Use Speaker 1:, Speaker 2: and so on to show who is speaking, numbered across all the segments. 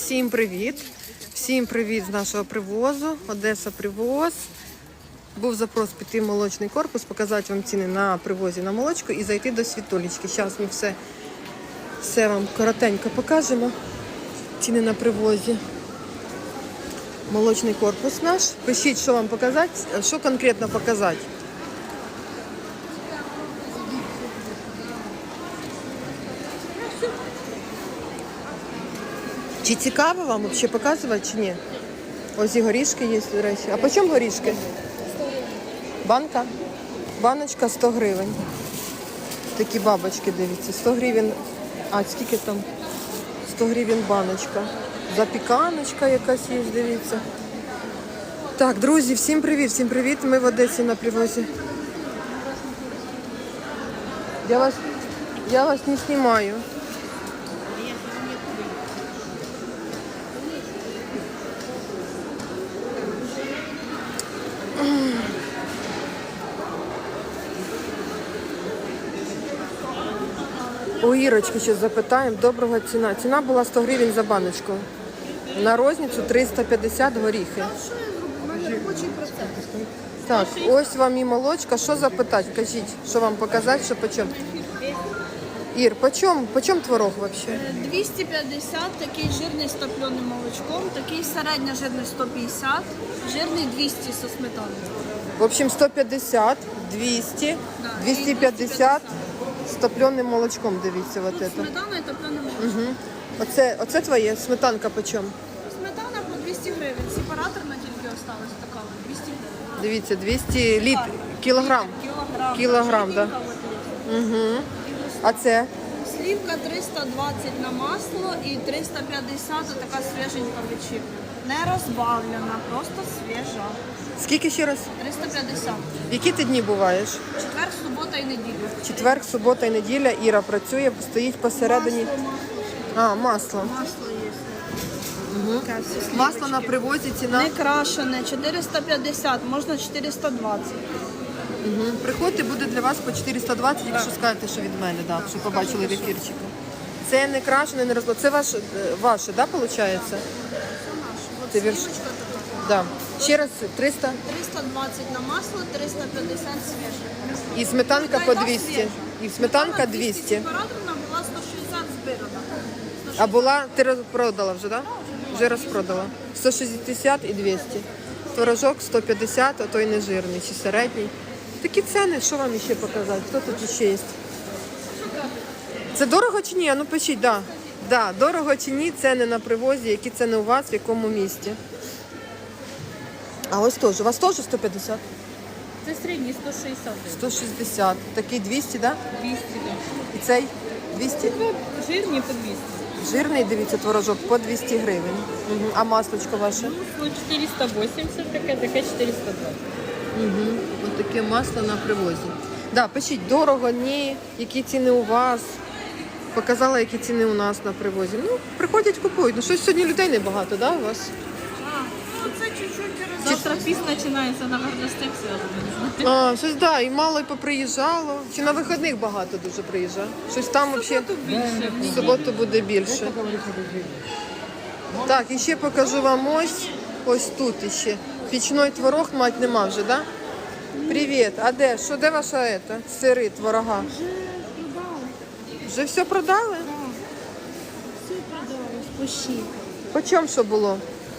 Speaker 1: Всім привіт! Всім привіт з нашого привозу. Одеса привоз. Був запрос піти в молочний корпус, показати вам ціни на привозі на молочку і зайти до Світулечки. Зараз ми все вам коротенько покажемо. Ціни на привозі. Молочний корпус наш. Пишіть, що вам показати, що конкретно показати. Чи цікаво вам взагалі показувати, чи ні? Ось і горішки є, до речі. А по чому горішки?
Speaker 2: 100 гривень.
Speaker 1: Банка? Баночка 100 гривень. Такі бабочки, дивіться. 100 гривень. А, скільки там? 100 гривень баночка. Запіканочка якась є, дивіться. Так, друзі, всім привіт, всім привіт. Ми в Одесі на привозі. Я вас не знімаю. У Ірочки ще запитаємо. Доброго ціна. Ціна була 100 гривень за баночку. На розницю 350 горіхи. Так, ось вам і молочка. Що запитати? Кажіть, що вам показати, що почем? Ір, почем творог взагалі?
Speaker 2: 250, такий жирний з топленим молочком, такий середня жирний 150, жирний 200 со сметаною.
Speaker 1: В общем, 150, 200, 250 з топленим молочком, дивіться. Вот это.
Speaker 2: Сметана і топлене молочко.
Speaker 1: Угу. Оце твоє, сметанка почем?
Speaker 2: Сметана по 200 гривень, сепараторна тільки осталась така, 200 гривень.
Speaker 1: Дивіться, 200 літрів, кілограм. Кілограм, так. Да. Угу. А це?
Speaker 2: Слівка 320 на масло і 350 така свіженька вечірня. Не розбавлена, просто свіжа.
Speaker 1: Скільки ще раз?
Speaker 2: 350.
Speaker 1: Які ти дні буваєш?
Speaker 2: Четвер, субота і неділя.
Speaker 1: Четвер, субота і неділя. Іра працює, стоїть посередині. А, масло.
Speaker 2: Масло є.
Speaker 1: Угу. Масло на привозі, ціна.
Speaker 2: Не крашене, 450, можна 420.
Speaker 1: Угу. Приходьте, буде для вас по 420, якщо скажете, що від мене, да, що побачили в ефірчику. Це не крашене, не розло. Це ваше, да, виходить?
Speaker 2: Це наше.
Speaker 1: Це
Speaker 2: От
Speaker 1: вірш.
Speaker 2: сливочка така.
Speaker 1: Да. Ще раз 300
Speaker 2: 320 на масло, 350 свіже.
Speaker 1: і сметанка по 200. І сметанка 200.
Speaker 2: Сепараторна була 160 збирана.
Speaker 1: А була, ти розпродала вже, так? Да? Вже розпродала. 160 і 200. Творожок 150, а той не жирний, чи середній. Такі ціни, що вам ще показати? Хто тут ще є? Це дорого чи ні? А ну пишіть, так. Да. Да, дорого чи ні, ціни на привозі, які ціни у вас, в якому місті. А ось теж. У вас теж 150?
Speaker 2: Це середній 160.
Speaker 1: 160. Такий 200, так? Да?
Speaker 2: 200, так.
Speaker 1: І цей 200?
Speaker 2: Жирні по 200.
Speaker 1: Жирний, дивіться, творожок по 200 гривень. Угу. А маслочко ваше?
Speaker 2: Ну, 480, таке 420.
Speaker 1: Угу. Ось таке масло на привозі. Да, пишіть, дорого, ні, які ціни у вас. Показала, які ціни у нас на привозі. Ну, приходять, купують. Ну, щось сьогодні людей небагато, да, у вас?
Speaker 2: Це чуть-чуть. Завтра піс починається на горностях зв'язано.
Speaker 1: А, щось, да, і мало й поприїжджало. Чи на вихідних багато дуже приїжджає? Щось там взагалі в суботу буде більше. Так, і ще покажу вам ось тут іще. Пічний творог мать нема вже, да? Привіт, а де? Що, де ваша сири, творога?
Speaker 2: Вже продали.
Speaker 1: Вже все продали?
Speaker 2: Так. Все продали, спощі.
Speaker 1: По чому що було?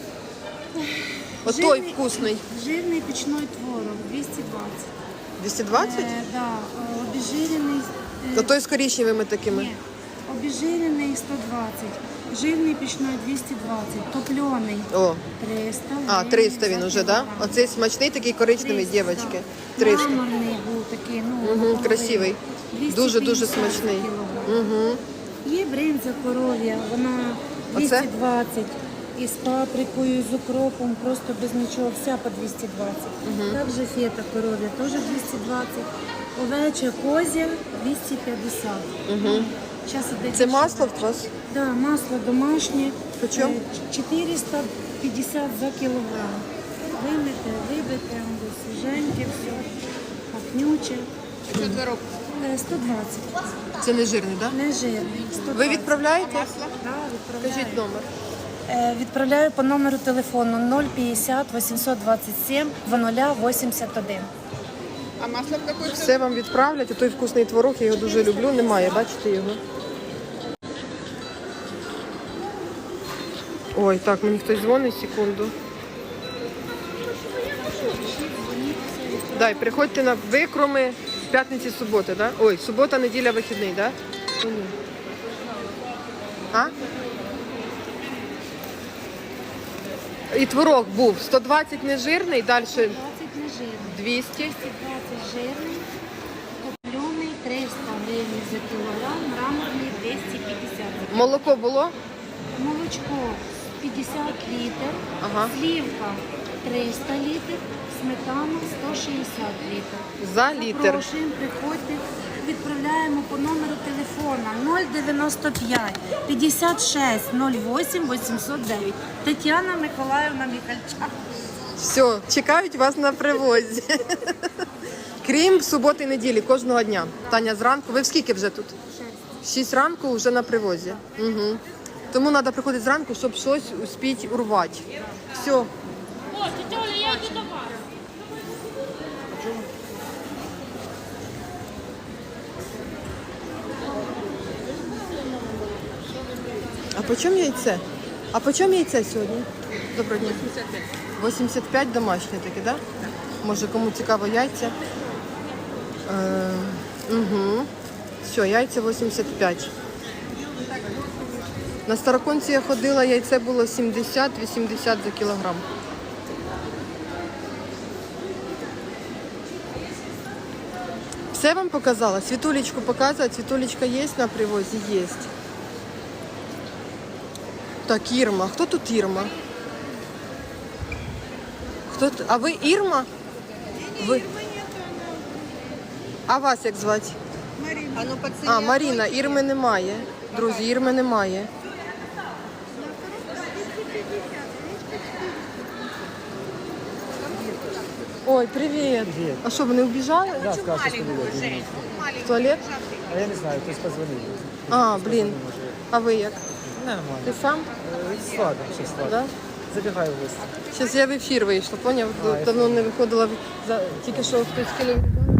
Speaker 1: Отой вкусний.
Speaker 2: Жирний пічний творог, 220.
Speaker 1: 220?
Speaker 2: Да, обезжирений.
Speaker 1: Отой з коричневими такими.
Speaker 2: Ні, обезжирений 120, жирний пічний 220, топлений
Speaker 1: О,
Speaker 2: 300.
Speaker 1: а, 300 він уже, да? Оцей смачний такий коричневий,
Speaker 2: 300,
Speaker 1: дівчатки.
Speaker 2: да.
Speaker 1: 300.
Speaker 2: Мраморний був такий, ну,
Speaker 1: Угу,
Speaker 2: наполовину.
Speaker 1: красивий.
Speaker 2: 250
Speaker 1: Дуже-дуже
Speaker 2: за
Speaker 1: смачний.
Speaker 2: кілограм.
Speaker 1: Угу.
Speaker 2: Є бринза коров'я, вона
Speaker 1: Оце?
Speaker 2: 220. І з паприкою, і з укропом, просто без нічого, вся по 220. Також фета коров'я, теж 220. Овеча, козя 250.
Speaker 1: Угу.
Speaker 2: Зараз іде
Speaker 1: Це
Speaker 2: більше.
Speaker 1: масло в вас?
Speaker 2: Да, масло домашнє.
Speaker 1: По чому?
Speaker 2: 450 за кілограм. Вибите, свіженьке, все, пахнюче.
Speaker 3: Що творог?
Speaker 2: 120.
Speaker 1: Це не жирний, так?
Speaker 2: Не жирний. 120.
Speaker 1: Ви відправляєте?
Speaker 2: Да, відправляю.
Speaker 1: Кажіть номер.
Speaker 2: Відправляю по номеру телефону 050 827 0081.
Speaker 3: А масло в какой
Speaker 1: Все вам відправлять, той вкусний творог, я його дуже люблю, немає, бачите його. Ой, так, мені хтось дзвонить, секунду. Дай, приходьте на викроми п'ятниці, суботи, да? Ой, субота, неділя, вихідний, да? А? І творог був 120 нежирний, далі
Speaker 2: 20 нежирний,
Speaker 1: 200.
Speaker 2: 220 жирний, топлений 300 гривень за кілограм, мраморний 250.
Speaker 1: Молоко було?
Speaker 2: Молочко 50 літрів,
Speaker 1: Ага.
Speaker 2: сливка 300 літрів, сметана 160 літрів.
Speaker 1: За літр.
Speaker 2: Запрошуємо, приходьте, відправляємо по номеру телефона 095 56 08 809. Тетяна Миколаївна Михальчак.
Speaker 1: Все, чекають вас на привозі. Крім суботи і неділі, кожного дня. Таня, зранку. Ви в скільки вже тут? 6 ранку вже на привозі. Угу. Тому треба приходити зранку, щоб щось успіти урвати. Все.
Speaker 4: О, тетя Оля, я йду до вас.
Speaker 1: А по чому яйце? А по чому яйце сьогодні? Доброго дня. 85 домашнє таке, так? Да? Може, кому цікаво яйця? Угу. Все, яйця 85. На Староконці я ходила, яйце було 70-80 за кілограм. Все вам показала? Світулечку показала? Світулечка є на привозі? Є. Так, Ірма. Хто тут Ірма? А ви Ірма? Ви... А вас як звати?
Speaker 3: Марина. А ну
Speaker 1: А, Маріна. Ірми немає. Друзі, Ірми немає. Ой, привіт.
Speaker 5: Привет.
Speaker 1: А що, вони убіжали?
Speaker 5: Да, сказал, что студия.
Speaker 1: В туалет?
Speaker 5: А я не знаю, то есть позвонили.
Speaker 1: А, блін. А ви як?
Speaker 5: Нормально.
Speaker 1: Ти сам?
Speaker 5: Сладко, все сладко.
Speaker 1: Да?
Speaker 5: Забегаю в гости.
Speaker 1: Зараз я в ефір вийшла, поняв? Давно не виходила. Тільки що хтось кинув.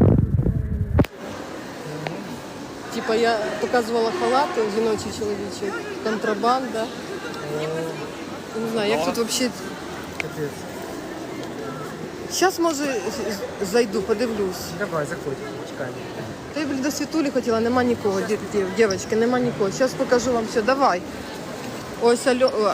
Speaker 1: Типа я показувала халати жіночі, чоловічі. Контрабанда. Не знаю, як тут взагалі.
Speaker 5: Капец.
Speaker 1: Зараз, може, зайду, подивлюсь.
Speaker 5: Давай, заходи, чекаємо.
Speaker 1: Та я, блін, до Світулі хотіла, нема нікого, дівчатки, нема нікого. Зараз покажу вам все, давай. Ось Альо...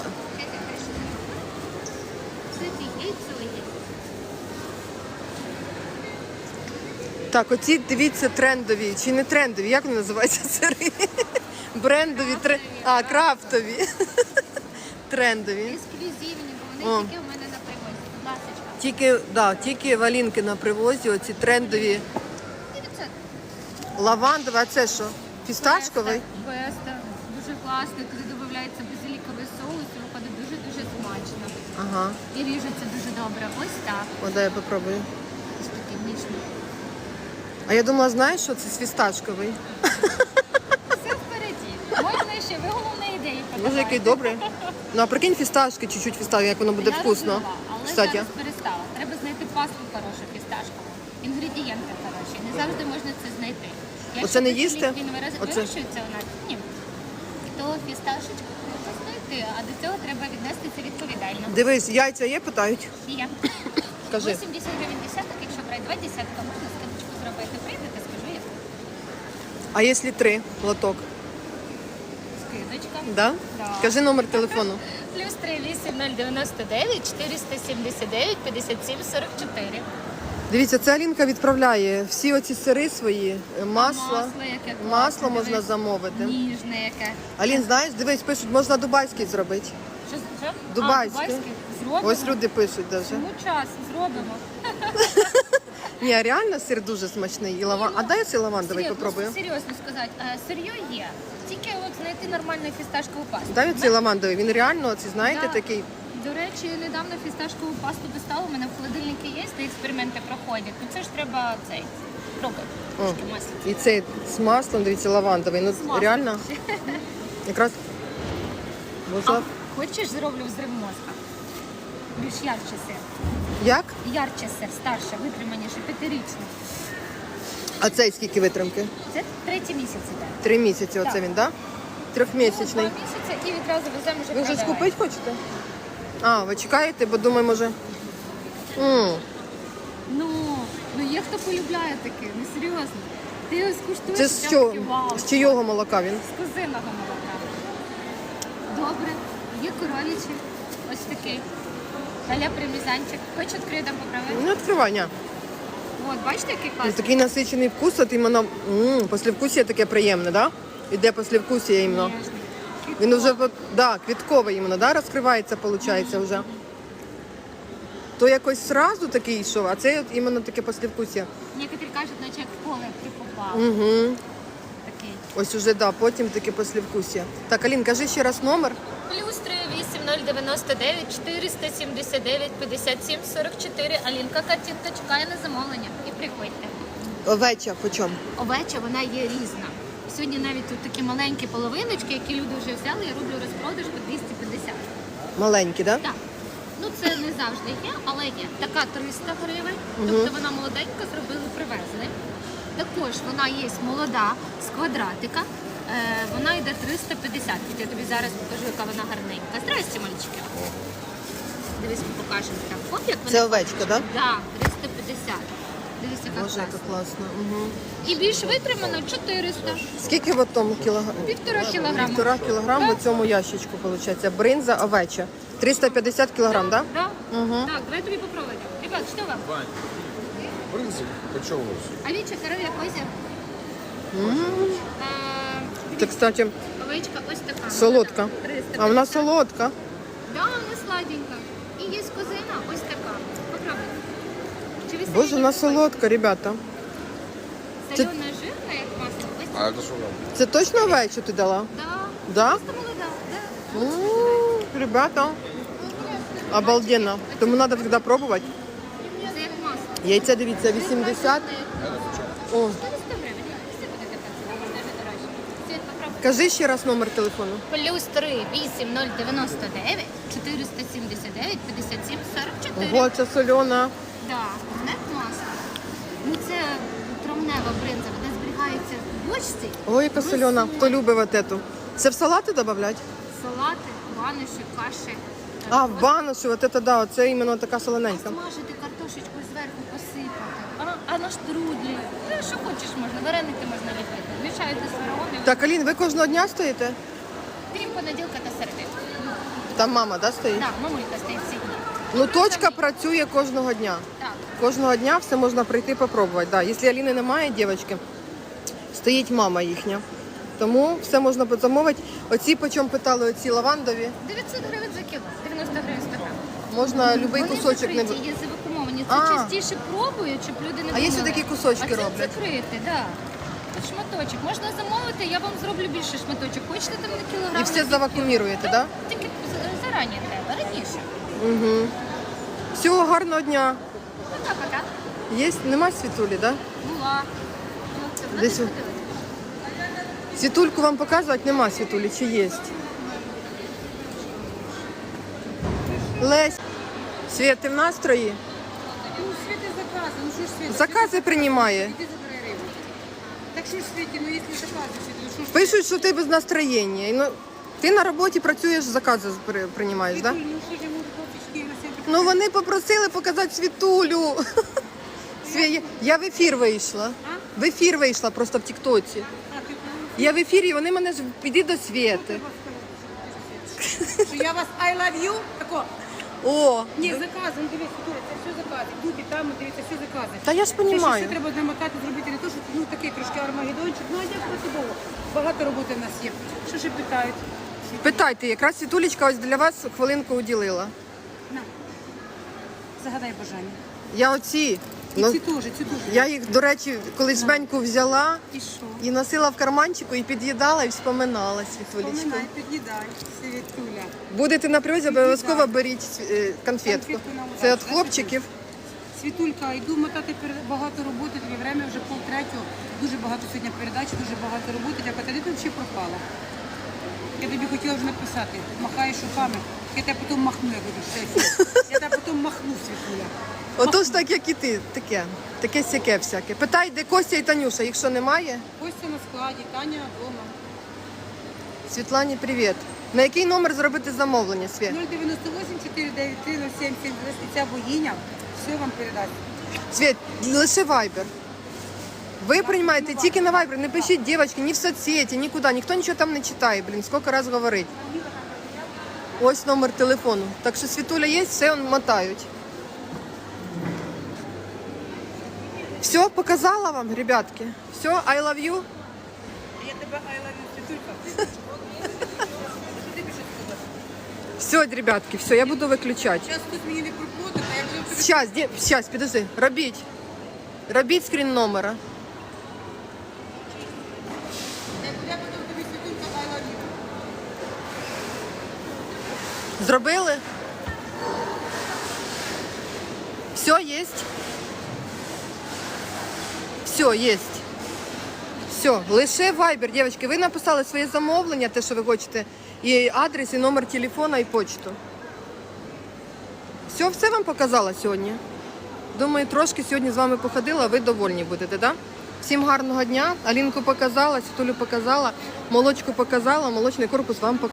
Speaker 1: Так, оці, дивіться, трендові, чи не трендові, як вони називаються сири? Брендові, крафтові. Трендові.
Speaker 4: Ексклюзивні, бо вони тільки в мене на привозі. Будь ласочка.
Speaker 1: Тільки валінки на привозі, оці трендові.
Speaker 4: 900.
Speaker 1: Лавандовий, а це що? Фісташковий?
Speaker 4: Беста. Дуже класний. Туди додається базиліковий соус і виходить дуже-дуже смачно.
Speaker 1: Ага.
Speaker 4: І ріжеться дуже добре. Ось так.
Speaker 1: О, дай я попробую.
Speaker 4: Ось такий ніжний.
Speaker 1: А я думала, знаєш, що це фісташковий?
Speaker 4: Все впереді. Можна ще, ви головне ідеї подавайте.
Speaker 1: Може, який добрий. Ну, а прикинь, фісташки, чуть-чуть фісташки, як воно буде
Speaker 4: Я
Speaker 1: вкусно.
Speaker 4: робила, але
Speaker 1: Кстати.
Speaker 4: зараз перестала. Треба знайти пасту хорошу фісташкову. Інгредієнти хороші. Не завжди можна це знайти.
Speaker 1: Оце не
Speaker 4: десь
Speaker 1: їсти?
Speaker 4: Він
Speaker 1: Оце?
Speaker 4: вирощується у нас? Ні. То фісташечку треба знайти, а до цього треба віднести це відповідально.
Speaker 1: Дивись, яйця є, питають.
Speaker 4: Є.
Speaker 1: Кажи.
Speaker 4: 80 гривень десяток, якщо брати 2 десятка, можна скидочку зробити. Прийдете, скажу я.
Speaker 1: А якщо 3 лоток?
Speaker 4: Скидочка.
Speaker 1: Да?
Speaker 4: Да.
Speaker 1: Кажи номер телефону.
Speaker 4: Плюс 38099 479 57 44.
Speaker 1: Дивіться, це Алінка відправляє всі оці сири свої, масло.
Speaker 4: яке класне,
Speaker 1: Масло можна
Speaker 4: дивись.
Speaker 1: замовити.
Speaker 4: Ніжне яке.
Speaker 1: Алін, знаєш, дивись, пишуть, можна дубайський зробити.
Speaker 4: Що?
Speaker 1: Дубайське.
Speaker 4: А, дубайське? Зробимо.
Speaker 1: Ось люди пишуть навіть.
Speaker 4: Всьому час зробимо.
Speaker 1: Ні, а реально сир дуже смачний. І А дай цей лавандовий попробую.
Speaker 4: Серйозно сказати, сир'йо є. Тільки от знайти нормальну фісташкову пасту.
Speaker 1: Дай оцей лавандовий. Він реально, оці, знаєте,
Speaker 4: Да.
Speaker 1: такий.
Speaker 4: До речі, недавно фісташкову пасту достала, у мене в холодильнику є, де експерименти проходять. Ну це ж треба цей пробувати.
Speaker 1: О,
Speaker 4: Трошки масла.
Speaker 1: і цей з маслом, дивіться, лавандовий. Ну
Speaker 4: З маслом
Speaker 1: реально,
Speaker 4: ще.
Speaker 1: якраз можна
Speaker 4: Хочеш, зроблю взрив мозка? Більш ярче сир.
Speaker 1: Як?
Speaker 4: Ярче сир, старше, витриманіше, 5-річний.
Speaker 1: А цей скільки витримки?
Speaker 4: Це 3-й місяць іде.
Speaker 1: 3 місяці оце
Speaker 4: Так.
Speaker 1: він, так? Да? 3-місячний.
Speaker 4: 2 місяці і відразу веземо вже
Speaker 1: Ви вже
Speaker 4: продавати.
Speaker 1: скупити хочете? А, ви чекаєте, бо думаю, може.
Speaker 4: Ну є хто полюбляє таке, ну серйозно. Ти його скуштуєш,
Speaker 1: Це з
Speaker 4: прям
Speaker 1: чого?
Speaker 4: такий вау.
Speaker 1: З чийого молока він?
Speaker 4: З козиного молока. Добре, є коров'ячий, ось такий. Аля примізанчик. Хоч відкрию, там поправити?
Speaker 1: Ну, відкривай, ня.
Speaker 4: От, бачите, який
Speaker 1: Ну,
Speaker 4: класний?
Speaker 1: такий насичений вкус, от іменно послевкусія таке приємне, да? Іде послевкусія іменно.
Speaker 4: Ніжний.
Speaker 1: Він вже, да, квітковий іменно, да, розкривається, виходить, вже. То якось сразу такий йшов, а це от іменно таке послевкусія.
Speaker 4: Некоторі кажуть, наче як в поле ти попав.
Speaker 1: Угу.
Speaker 4: Такий.
Speaker 1: Ось уже, да, потім таке послевкусія. Так, Алін, кажи ще раз номер.
Speaker 4: Плюс 38099 479 57 44. Алінка картинка чекає на замовлення. І приходьте.
Speaker 1: Овеча, по чому?
Speaker 4: Овеча, вона є різна. Сьогодні навіть тут такі маленькі половиночки, які люди вже взяли, я роблю розпродаж по 250.
Speaker 1: Маленькі, да?
Speaker 4: Так. Ну це не завжди є, але є. Така 300 гривень, тобто вона молоденька, зробили, привезли. Також вона є молода, з квадратика. Вона йде 350. Я тобі зараз покажу, яка вона гарненька. Здрасте, мальчики. Дивись, ми покажемо так. Оп, як вона.
Speaker 1: Це овечка, да?
Speaker 4: Так, 350. Дивись, яка
Speaker 1: Боже, яка
Speaker 4: класна.
Speaker 1: класна. Угу.
Speaker 4: І більш витримано 400.
Speaker 1: Скільки в тому кілограм?
Speaker 4: 1,5 кілограма.
Speaker 1: 1,5 кілограм в цьому ящичку, виходить. Бринза овеча. 350 кілограм, так? Да?
Speaker 4: Да? Так, давай тобі попробуємо. Ребят, що вам?
Speaker 6: Брынза, почем у вас?
Speaker 4: Овеча, коров'я, козя.
Speaker 1: Це, кстати,
Speaker 4: Овечка ось така.
Speaker 1: солодка.
Speaker 4: 350.
Speaker 1: А вона солодка.
Speaker 4: Да, вона сладенька. І є козина ось така. Попробуй. Чи ви самі
Speaker 1: Боже, вона
Speaker 4: не пробували?
Speaker 1: солодка, ребята.
Speaker 4: Солена, жирна, як масло. Ось
Speaker 6: А это что там?
Speaker 1: Це точно овечу ти дала?
Speaker 4: Да.
Speaker 1: Да?
Speaker 4: Просто молода, да.
Speaker 1: Ребята, обалденно. Тому треба завжди пробувати.
Speaker 4: Це як масло.
Speaker 1: Яйця, дивіться, 80. О,
Speaker 4: 400 гривень. Все буде така ціна, можна вже дорожче. Світ, попробуй.
Speaker 1: кажи ще раз номер телефону.
Speaker 4: Плюс 3 8099 479 57 44.
Speaker 1: Ого, це солена.
Speaker 4: Да, нет масла. Ну це травнева бринза, вона зберігається в бочці.
Speaker 1: Ой, яка солена. Хто любить вот эту? Це в салати додавати?
Speaker 4: Салати, ваниші, каші.
Speaker 1: А, в баношу, вот это, да, це іменно така солоненька.
Speaker 4: Смажити картошечку зверху посипати. А на штрудлі. Ну, що хочеш можна, вареники можна ліпити. Мішаєте з фараоном.
Speaker 1: Так, Алін, ви кожного дня стоїте?
Speaker 4: Крім понеділка та середи.
Speaker 1: Там мама, да, стоїть?
Speaker 4: Так, мамулька стоїть всі дні.
Speaker 1: Ну, точка працює кожного дня.
Speaker 4: Так.
Speaker 1: Кожного дня все можна прийти попробувати. Да. Якщо Аліни немає, дівчатки, стоїть мама їхня. Тому все можна замовити. Оці, по чому питали, оці лавандові,
Speaker 4: 900 гривень за кіло, 90 гривень 100 гривень.
Speaker 1: можна будь-який
Speaker 4: Вони
Speaker 1: кусочок не...
Speaker 4: закриті, є завакумовані. Це
Speaker 1: А.
Speaker 4: частіше пробують, щоб люди не
Speaker 1: А є
Speaker 4: думали.
Speaker 1: такі кусочки
Speaker 4: а це
Speaker 1: роблять?
Speaker 4: закрити, да. Тут шматочок. Можна замовити, я вам зроблю більше шматочок. Хочете там на кілограм?
Speaker 1: І все завакууміруєте, так? Да?
Speaker 4: Тільки зарані треба, раніше.
Speaker 1: Угу. Всього гарного дня.
Speaker 4: Пока-пока.
Speaker 1: Є? Нема світулі, так? Да?
Speaker 4: Була. Ну, це вона
Speaker 1: Десь
Speaker 4: десь
Speaker 1: у-
Speaker 4: ходила.
Speaker 1: Світульку вам показувати нема світулі, чи є? Лесь, Світ, ти в настрої?
Speaker 3: Ну, Світи закази, ну що ж Світи?
Speaker 1: Закази приймає.
Speaker 3: Іди забирай рибу. Так що ж Світі, ну якщо закази, Світи, ну що ж
Speaker 1: Пишуть, що ти без настроєння. І, ну, ти на роботі працюєш, закази приймаєш, так? Да?
Speaker 3: Світуль, ну що ж я можу хлопчики на себе?
Speaker 1: Ну вони попросили показати світулю. Я в ефір вийшла. В ефір вийшла просто в Тіктоці.
Speaker 3: А, ти правильно.
Speaker 1: Я в ефірі, вони мене ж піди до Світи.
Speaker 3: Що я вас I love you? Тако.
Speaker 1: О,
Speaker 3: Ні, закази, ну дивись, Світуля, це все закази. Тут і там, дивіться, все закази.
Speaker 1: та я ж
Speaker 3: Це ще все
Speaker 1: розумію.
Speaker 3: треба намотати, зробити не то, що ну такий трошки армагеддончик, ну а як працювало? Багато роботи в нас є. Що ще питають?
Speaker 1: Питайте, якраз Світулечка ось для вас хвилинку уділила.
Speaker 3: На. Загадай бажання.
Speaker 1: Я оці,
Speaker 3: І
Speaker 1: ну,
Speaker 3: ці теж, ці теж.
Speaker 1: я їх, до речі, колись жменьку взяла
Speaker 3: І що?
Speaker 1: і носила в карманчику, і під'їдала, і вспоминала Світулечку.
Speaker 3: Поминай, під'їдай, Світуля.
Speaker 1: Будете на привозі, обов'язково беріть конфетку.
Speaker 3: Конфетку на
Speaker 1: Це від
Speaker 3: удачу,
Speaker 1: хлопчиків.
Speaker 3: Світулька, йду мотати багато роботи, тобі время вже 2:30. Дуже багато сьогодні передач, дуже багато роботи. Дякую. Ти взагалі пропала. Я тобі хотіла вже написати. Махаєш руками. Я тебе потім махну, я буду ще. Я тебе потім махну, Світуля.
Speaker 1: Отож так, як і ти, таке сяке всяке. Питай, де Костя і Танюша, їх що немає?
Speaker 3: Костя на складі, Таня вдома.
Speaker 1: Світлані, привіт. На який номер зробити замовлення, Світ?
Speaker 3: 098 493 0770. Ця богиня все вам передасть.
Speaker 1: Світ, лише Viber. Ви приймаєте тільки на Viber, не пишіть, дівчатки, ні в соцсеті, нікуди. Ніхто нічого там не читає, блін, скільки раз говорить. Ось номер телефону. Так що Світуля є, все мотають. Все, показала вам, ребятки. Все, I love you.
Speaker 3: Я тебе I love you, Світулька.
Speaker 1: Все, ребятки, все, я буду виключати.
Speaker 3: Зараз хтось мені не проплатить, а я буду тобі...
Speaker 1: Сейчас, підожди, робіть. Робіть скрін номера.
Speaker 3: Я потім тобі, Світулька, I love you.
Speaker 1: Зробили? Все, є? Все, є. Все, лише Viber, дівчатки. Ви написали своє замовлення, те, що ви хочете, і адрес, і номер телефона, і почту. Все вам показала сьогодні? Думаю, трошки сьогодні з вами походила, а ви довольні будете, так? Да? Всім гарного дня. Алінку показала, Світулю показала, молочку показала, молочний корпус вам показала.